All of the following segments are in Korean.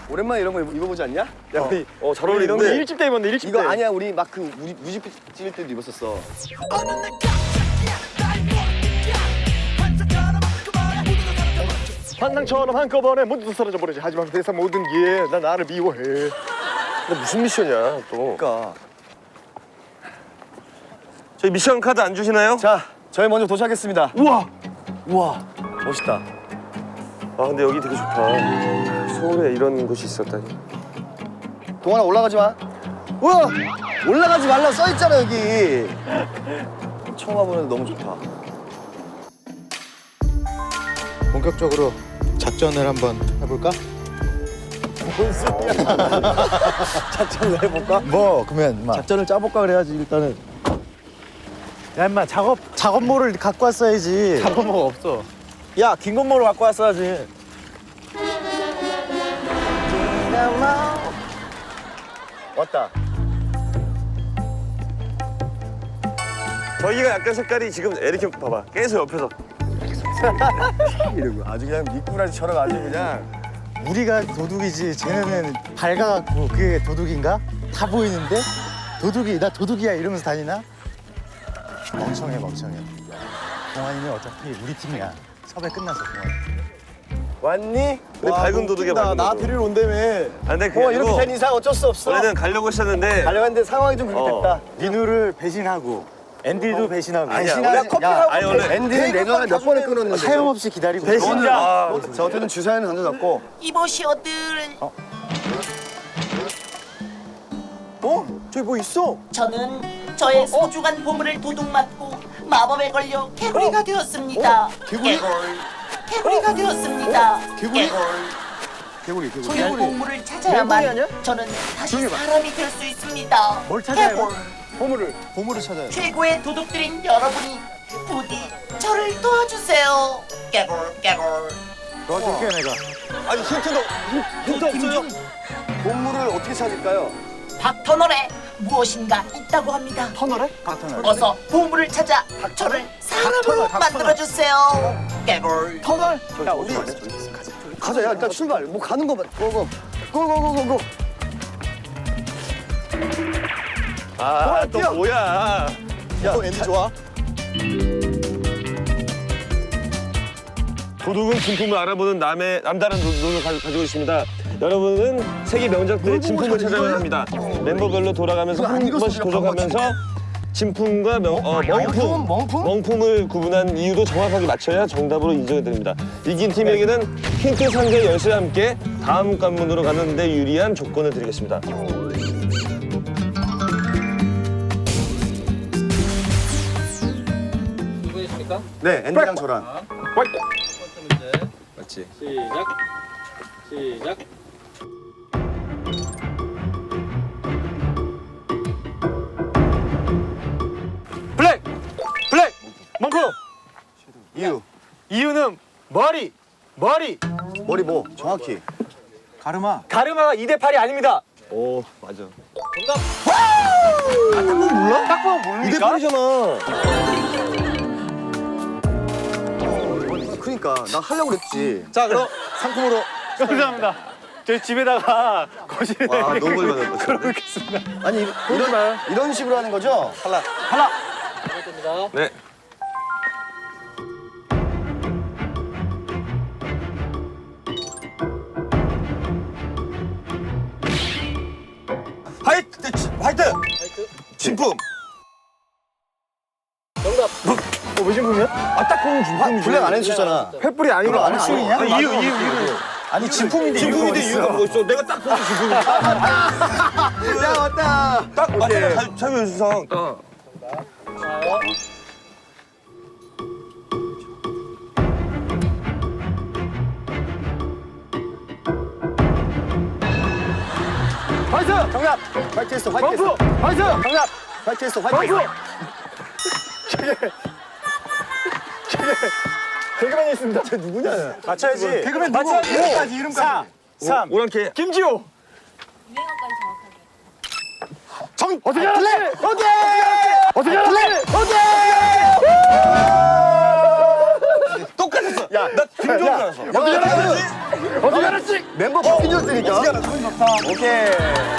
오랜만에 이런 거 입어보지 않냐? 야, 우리 잘 어울리는데. 이런 거 1집 때 입었는데 1집 때. 이거 아니야, 우리 막 그 뮤직비디오 찍을 때도 입었었어. 환상처럼 한꺼번에 모두 사라져버리지. 하지만 세상 모든 게 난 나를 미워해. 근데 무슨 미션이야, 또. 그러니까. 저희 미션 카드 안 주시나요? 자, 저희 먼저 도착했습니다. 우와! 우와, 멋있다. 아, 근데 여기 되게 좋다. 서울에 이런 곳이 있었다니. 동환아, 올라가지 마. 우와! 올라가지 말라고 써있잖아, 여기. 처음 와보는데 너무 좋다. 본격적으로 작전을 한번 해볼까? 뭔 소리야. 작전을 해볼까? 뭐 그러면 인마 작전을 짜볼까 그래야지, 일단은. 야 인마 작업모를 갖고 왔어야지. 작업모가 없어. 야, 긴 건모로 갖고 왔어야지. 왔다. 저기가 약간 색깔이 지금 에릭 형 봐봐. 계속 옆에서. 이러고 아주 그냥 미꾸라지처럼 아주 그냥. 우리가 도둑이지 쟤네는 밝아갖고 그게 도둑인가? 다 보이는데? 도둑이 나 도둑이야 이러면서 다니나? 멍청해 멍청해. 동환이는 어차피 우리 팀이야. 섭외 끝났어 동환이. 왔니? 우리 밝은 도둑이야, 밝은 나 도둑. 데리러 온다며. 아, 근데 그게 이렇게 아니고 된 이상 어쩔 수 없어. 원래는 가려고 했었는데. 가려고 했는데 상황이 좀 그렇게 됐다. 민우를 배신하고 앤디도 배신하고 아니야, 배신하지. 원래 커피하고 아니, 원래 앤디는 내 전화 몇 번을 끊었는데. 사용없이 기다리고 배신자. 아, 저 어쨌든 주사위는 던져졌고. 이보시오들 저기 뭐 있어? 저는 저의 소중한 보물을 도둑맞고 마법에 걸려 개구리가 되었습니다. 개구리가 되었습니다. 개구리. 소형 보물을 찾아야만 저는 다시 사람이 될 수 있습니다. 뭘 찾아야 개굴. 보물을 찾아야 돼. 최고의 도둑들인 여러분이 부디 저를 도와주세요. 개굴. 도와줄게 내가. 아니 힌트 없어요? 보물을 어떻게 찾을까요? 닥터널에 무엇인가 있다고 합니다. 터널에? 어서 보물을 찾아 저를 사람으로 만들어주세요. 개굴. 터널? 야 우리 가자. 야 일단 출발. 뭐 가는 거만. 고고. 아, 또 뛰어. 뭐야. 야 앤디 좋아? 도둑은 진품을 알아보는 남다른 눈을 가지고 있습니다. 여러분은 세계 명작들의 진품을 찾아야 합니다. 멤버별로 돌아가면서 한 번씩 도전하면서 진품과 멍품을 구분한 이유도 정확하게 맞춰야 정답으로 인정이 됩니다. 이긴 팀에게는 힌트 상자 열쇠와 함께 다음 관문으로 가는 데 유리한 조건을 드리겠습니다. 누구이십니까? 네 앤디랑 저랑. 첫 번째 문제 맞지? 시작. 블랙 멍품. 이유는 머리. 머리 뭐 정확히. 가르마. 가르마가 2대 8이 아닙니다. 오, 맞아. 딱 보면 모릅니까? 이대팔이잖아. 그러니까 나 하려고 그랬지. 자 그럼 상품으로. 감사합니다. 저희 집에다가 거실에 와, 너무 멀리 받았다. 걸어놓겠습니다. 아니 이런 식으로 하는 거죠? 됩니다. 네. 화이트! 진품! 왜 진품이야? 딱 보면 진품이지. 블랙 안 해주셨잖아. 횃불이 아니고 안 해주셨냐? 이유. 아니 진품인데 진품인데 이유가 뭐 있어? 내가 딱 보면 진품이야. 야 왔다. 딱 맞잖아, 자유유수상. 화이트 정답. 화이트 했어. 화이트 했어. 화이트. 정답. 화이트 했어. 화이트 했어. 개그맨이 있습니다. 쟤 누구냐? 맞춰야지. 개그맨 맞춰. 누구? 이름까지 이름까지. 3. 오랑캐. 김지호. 유행어까지 정확하게. 어떻게 알았지? 어떻게 알았지? 똑같았어. 야, 나 힘좀 알았어. 어떻게 알았지? 멤버 바뀐 줄 알았으니까. 오케이.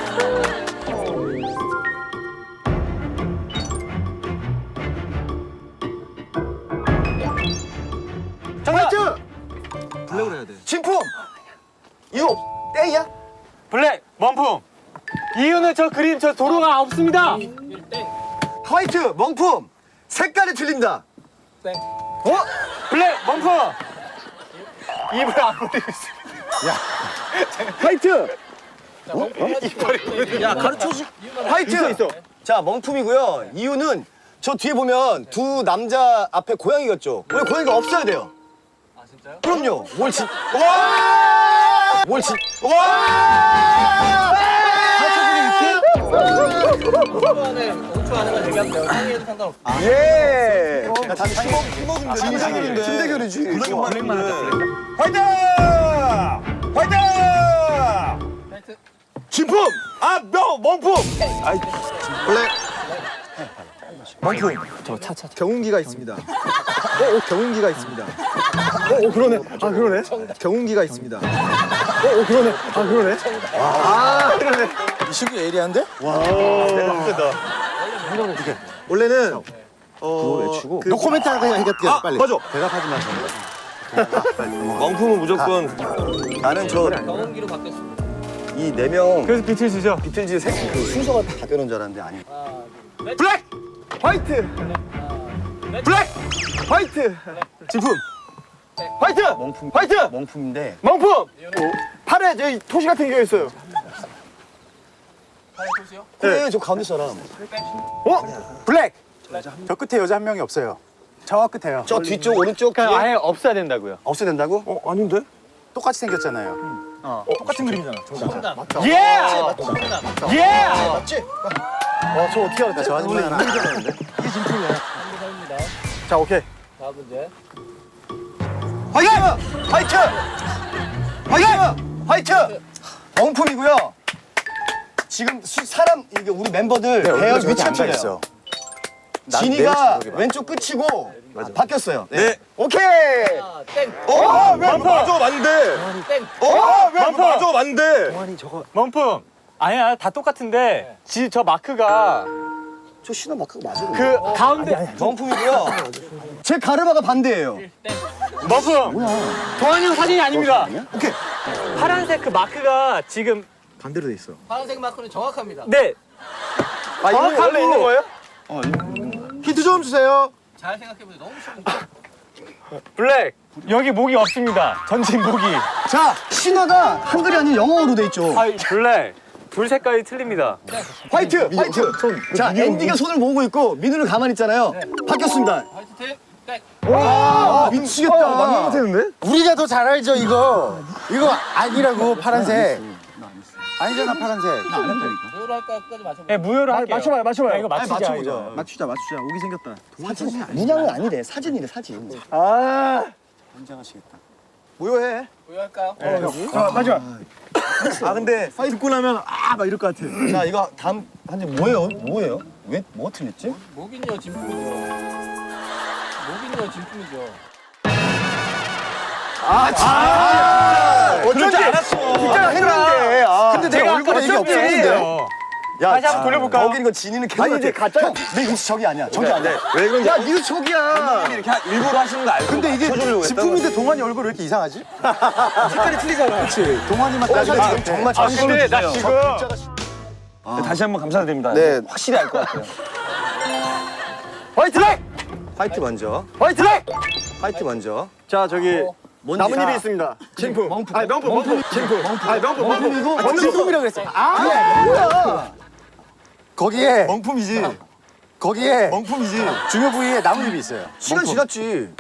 화이트! 블랙으로 해야 돼. 진품! 이거 땡이야? 블랙 원품. 이유는 저 그림 저 도로가 없습니다. 화이트, 멍품! 색깔이 틀린다. 땡. 어? 블랙 원품. 입을 안 벌리고 있어. 화이트! 야 가르쳐주. 화이트! 있어. 자, 멍품이고요. 이유는 저 뒤에 보면 두 남자 앞에 고양이가 있죠. 원래 고양이가 없어야 돼요. 아 진짜요? 그럼요. 뭘 진... 와! 뭘 진... 와! 5초 안에 5초 안에만 얘기하면 돼요. 상의해도 상관없어. 예! 팀 대결인데. 팀 대결이지. 블랙만 하자. 화이팅! 화이팅! 하여튼 진품. 아 명품. 블랙. 경운기가 있습니다. 경운기가 있습니다. 그러네. 아, 그러네. 경운기가 있습니다. 그러네. 아, 그러네. 이 친구 예리한데? 원래는 노코멘트 하게 해야겠다 빨리. 맞아. 대답하지 마세요. 멍품은 무조건 나는 저 경운기로 바뀌었습니다. 이 네 명 그래서 비틀즈죠. 비틀즈 그 순서가 다 되는 줄 알았는데 아니. 블랙 화이트. 블랙 화이트. 진품. 화이트. 멍품. 화이트. 멍품인데. 명품. 팔에 저기 토시 같은 게 있어요. 하나 보세요. 그래, 저 가운데 사람. 블랙. 저 끝에 여자 한 명이 없어요. 저 끝에요. 저 뒤쪽 오른쪽 뒤에 아예 없어야 된다고요. 없애야 된다고? 아닌데? 똑같이 생겼잖아요. 똑같은 그림이잖아. 정답. 예! 정답. 예! 맞지? 저 어떻게 알았다. 저 아줌마 하나. 합니다. 자 오케이. 다음 문제. 화이트! 화이트! 화이트! 화이트! 멍품이고요. 지금 사람 이게 우리 멤버들 대열 위치가 틀려요. 있어. 진이가 왼쪽 끝이고 바뀌었어요. 네. 오케이. 아, 땡. 왜 맞아 맞는데? 땡. 왜 맞아 맞는데? 명품. 아니야 다 똑같은데 저 마크가 저 신호 마크가 맞아요. 그 가운데 멍품이고요. 제 가르마가 반대예요. 명품. 동환이 형 사진이 아닙니다. 오케이. 파란색 그 마크가 지금 반대로 돼 있어. 파란색 마크는 정확합니다. 네. 정확하게 있는 거예요? 힌트 좀 주세요. 잘 생각해보세요. 너무 쉬운 거. 블랙. 여기 목이 없습니다. 전진 목이. 자, 신화가 한글이 아닌 영어로 돼 있죠. 아 블랙. 불 색깔이 틀립니다. 화이트, 화이트. 자, 앤디가 손을 모으고 있고 민우는 가만히 있잖아요. 바뀌었습니다. 화이트 팀. 땡. 와, 미치겠다. 맞는 것 같았는데? 우리가 더 잘 알죠 이거. 이거 아니라고 파란색. 아니잖아 파란색. 뭐로 할까? 끝까지 맞춰보세요. 네, 무효로 할게요. 맞춰봐요, 맞춰봐요. 야, 이거 맞추자. 맞춰보자. 이거. 맞추자. 오기 생겼다. 문양은 아니래. 사진이래, 사진. 아. 굉장하시겠다. 무효해. 뭐로 할까요? 자, 마지막. 아, 근데 듣고 나면 막 이럴 것 같아. 자, 이거 다음 한지 뭐예요? 뭐예요? 왜 뭐가 틀렸지? 목인요 진품이죠. 목인요 진품이죠. 어쩐지 알았어. 진짜 했는데. 근데 내 얼굴에 이게 없었는데. 야, 다시 한번 돌려볼까요? 거기 이거 진이는 개같 가짜야. 내 위치 저기 아니야. 저기 아니야. 왜 그런지 야, 니도 저기야. 이렇게 일부러 하시는 거 알고. 근데 이게 쳐주려고 진품인데 동환이 얼굴 왜 이렇게 이상하지? 색깔이 틀리잖아. 그렇지. 동환이만 따지면 지금 정말 아 자신 근데 나 지금 다시 한번 감사드립니다. 네. 확실히 알 것 같아요. 화이트 블랙. 화이트 먼저. 화이트 블랙. 화이트 먼저. 자 저기 뭔지 나뭇잎이 있습니다. 진품. 멍품. 아니 명품. 진품. 아니 명품. 멍품이고. 진품이라고 그랬어. 뭐야? 거기에 멍품이지. 거기에 멍품이지. 중요 부위에 나뭇잎이 있어요. 시간 지났지.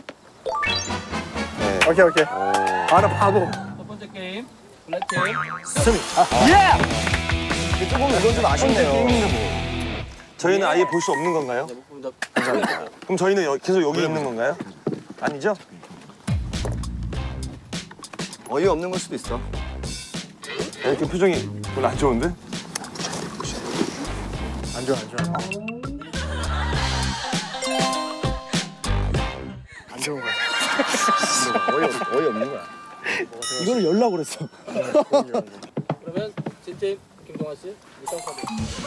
오케이 오케이. 아 나 바보. 첫 번째 게임. 블랙 팀. 예. 조금 이건 좀 아쉽네요. 저희는 아예 볼 수 없는 건가요? 목품입니다. 그럼 저희는 계속 여기 있는 건가요? 아니죠? 어이없는 걸 수도 있어. 이렇게 표정이 별로 안 좋은데? 안 좋아, 안 좋아. 안 좋은 거야. 어이없는 거야. 이거를 열라고 그랬어. 그러면 진팀 김동환 씨 미션 카드.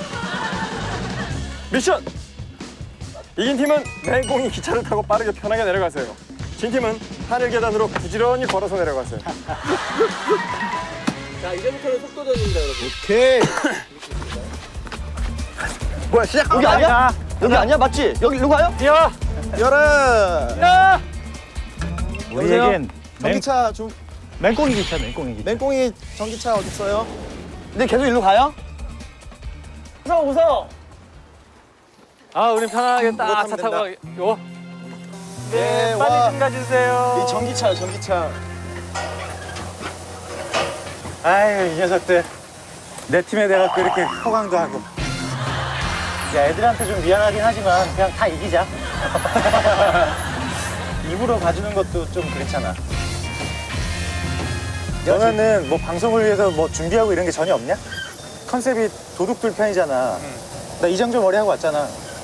미션! 이긴 팀은 맹꽁이 기차를 타고 빠르게 편하게 내려가세요. 진 팀은 하늘 계단으로 부지런히 걸어서 내려가세요. 자 이제부터는 속도전입니다 여러분. 오케이. 뭐야 시작 여기 아니야? 여기 아니야 맞지? 여기 일로 가요? 뛰어! 열어. 우리에겐 전기차 좀 맹꽁이 기차, 맹꽁이 기차. 맹꽁이 전기차 어디 있어요? 근데 계속 일로 가요? 웃어. 아, 우린 편하게 딱 타면 차 타고 된다. 가요. 네, 빨리 와. 좀 가주세요. 이 전기차야 전기차. 아유, 이 녀석들. 내 팀에 내가 그렇게 호강도 하고. 야, 애들한테 좀 미안하긴 하지만 그냥 다 이기자. 입으로 봐주는 것도 좀 그렇잖아. 너네는 뭐 방송을 위해서 뭐 준비하고 이런 게 전혀 없냐? 컨셉이 도둑들 편이잖아. 나 이정재 머리 하고 왔잖아.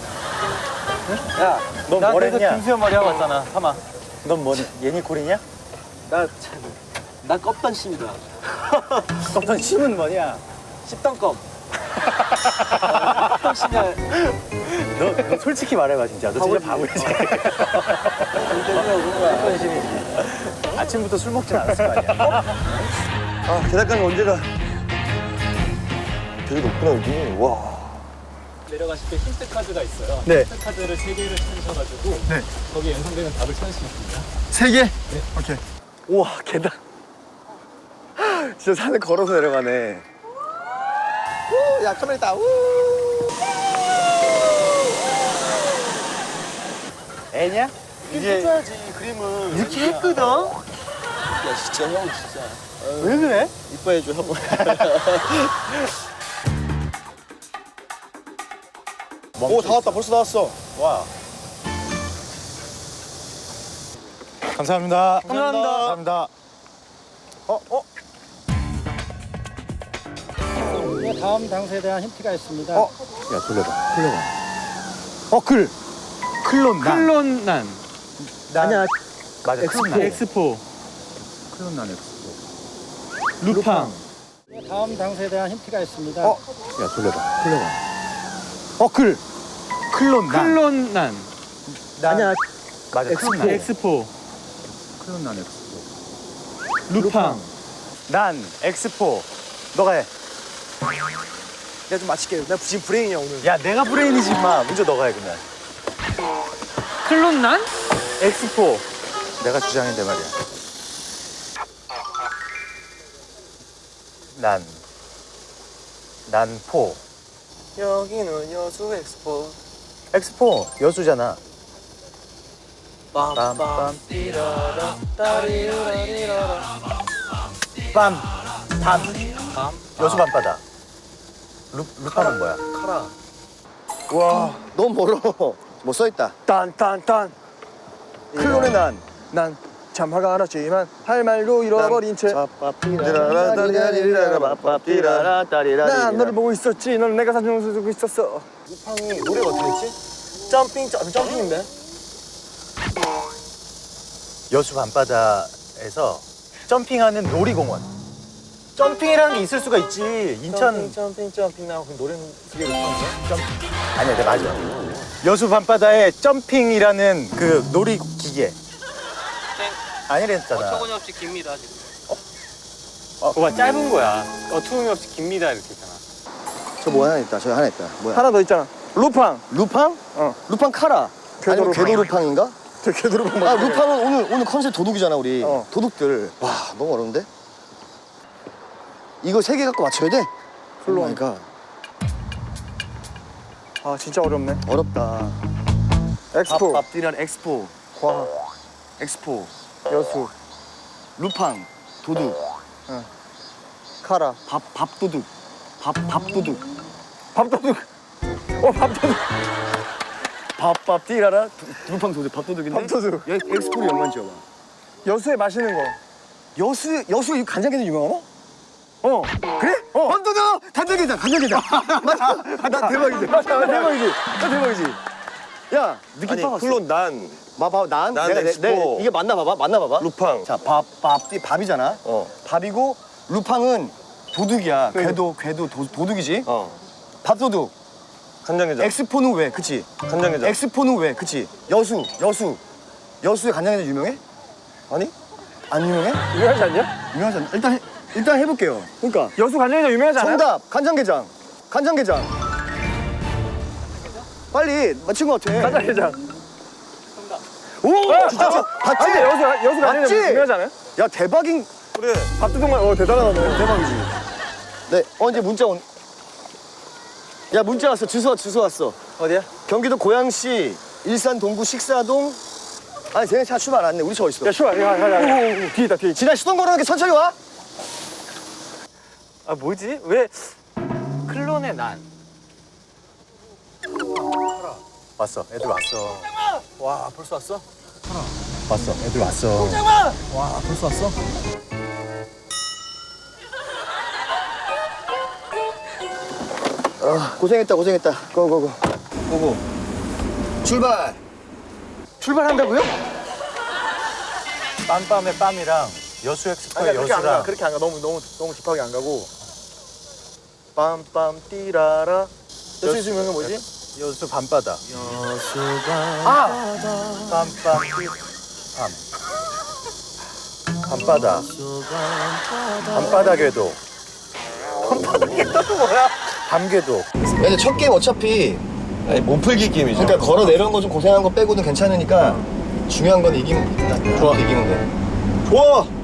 야, 넌 나 뭘 그래서 했냐? 김수현 머리 하고 왔잖아. 하마. 넌 뭐니? 예니콜이냐? 나 껍단심이다. 넌 심은 뭐냐? 십단껍. 너 솔직히 말해봐 진짜. 너 진짜 바보지. 아침부터 술 먹진 않았을 거 아니야. 아 계단까지 언제 가? 되게 높구나 여기. 와. 내려가실 때 힌트 카드가 있어요. 네. 힌트 카드를 3개를 찾으셔가지고 거기에 연상되는 답을 찾을 수 있습니다. 세 개? 오케이. 우와 계단. 진짜 산을 걸어서 내려가네. 우, 야 카메라 있다. 우. 애냐? 이제 해줘야지 그림을. 이렇게 했거든. 야 진짜 형 진짜. 왜 그래? 이뻐해줘 형. 오 다 왔다. 벌써 다 왔어. 와. 감사합니다. 감사합니다. 감사합니다. 다음 장소에 대한 힌트가 있습니다. 야 돌려봐. 글. 클론난. 클론난. 아니야. 맞아. 클론난. 엑스포. 클론난 엑스포. 루팡. 다음 장소에 대한 힌트가 있습니다. 야 돌려봐. 글. 클론난. 클론난. 아니야. 맞아. 클론난. 엑스포. 클론난 엑스포. 루팡. 난 엑스포. 너가 해. 내가 좀 맞힐게. 내가 지금 브레인이야 오늘. 야 내가 브레인이지 마. 먼저 너가 해 그러면. 클론난? 엑스포. 내가 주장인데 말이야. 난포. 여기는 여수 엑스포. 엑스포 여수잖아. 빰빰 띠라라 따리라리라라. 밤. 여수 밤바다. 루파는 뭐야? 카라. 와 너무 멀어. 뭐 써있다. 딴딴딴. 클론의 난 참 화가 안 났지만 할 말도 잃어버린 채. 난 너를 보고 있었지. 넌 내가 사진 찍고 있었어. 루팡이 노래가 어떻게 했지? 점핑인데? 여수 밤바다에서 점핑하는 놀이공원. 점핑이라는 게 있을 수가 있지. 인천 점핑 나오고 그 노래는 그게 루팡이야? 아니야, 네, 맞아. 여수 밤바다에 점핑이라는 그 놀이 기계. 아니랬잖아. 어처구니없이 깁니다 지금. 그거 짧은 거야. 어투음없이 깁니다 이렇게 있잖아. 저 뭐 하나 있다. 저기 하나 있다. 뭐야? 하나 더 있잖아. 루팡. 루팡? 어. 루팡 카라. 아니면 궤도 궤도 루팡인가? 저 개도루팡 아 루팡은 오늘 컨셉 도둑이잖아 우리. 어. 도둑들. 와 너무 어려운데? 이거 3개 갖고 맞춰야 돼? 클론. 그러니까 아 진짜 어렵네. 어렵다. 엑스포. 앞뒤란 엑스포. 과. 엑스포. 여수. 루팡. 도둑. 카라. 밥도둑. 밥도둑. 밥도둑. 밥도둑. 밥 띠라라. 루팡 도둑. 밥도둑인데. 밥도둑. 엑스포를 연관 지어봐. 여수에 맛있는 거. 여수 이 간장게장 유명하나? 어. 그래? 밥도둑. 간장게장. 나 대박이지. 나 대박이지. 야 느낌 아니 파갔어. 클론 난 봐봐, 난 엑스포. 이게 맞나 봐봐, 맞나 봐봐. 루팡. 자, 밥이잖아. 밥이고 루팡은 도둑이야. 궤도 도둑이지. 밥도둑. 간장게장. 엑스포는 왜? 그치? 간장게장. 엑스포는 왜? 그치? 여수의 간장게장 유명해? 아니? 안 유명해? 유명하지 않냐? 유명하지 않나? 일단 해볼게요. 그러니까 여수 간장게장 유명하지 않아요? 정답 간장게장. 빨리 맞춘 것 같아. 간장게장. 오, 진짜 봤지? 아니, 여수 맞지? 간장게장 유명하지 않아요? 야 대박인. 그래. 밥도둑만 대단하네. 대박이지. 네, 이제 문자 온. 야 문자 왔어. 주소 왔어. 어디야? 경기도 고양시 일산 동구 식사동. 아니 쟤네 차 출발 안 했네. 우리 차 어디 있어? 야, 슈아, 야. 뒤에 있다, 뒤에. 지난 시동 걸어놓게 천천히 와. 아, 뭐지? 왜 클론의 난? 왔어. 애들 왔어. 와, 벌써 왔어? 왔어. 애들 왔어. 와, 벌써 왔어? 고생했다. 고고. 출발. 출발한다고요? 빰빰의 빰이랑 여수 엑스포의 그렇게 안 가. 여수랑 그렇게 안 가. 너무 딥하게 안 가고. 빰빰 띠라라. 여수 유명한 게 뭐지? 여수 밤바다. 빰빰 밤바다. 밤바다 궤도. 밤바다 궤도는 뭐야? 밤궤도. 근데 첫 게임 어차피 아니 못 풀기 게임이죠. 그러니까 걸어 내려온 거 좀 고생한 거 빼고는 괜찮으니까 중요한 건 이기면 돼. 좋아. 이기면 돼. 좋아.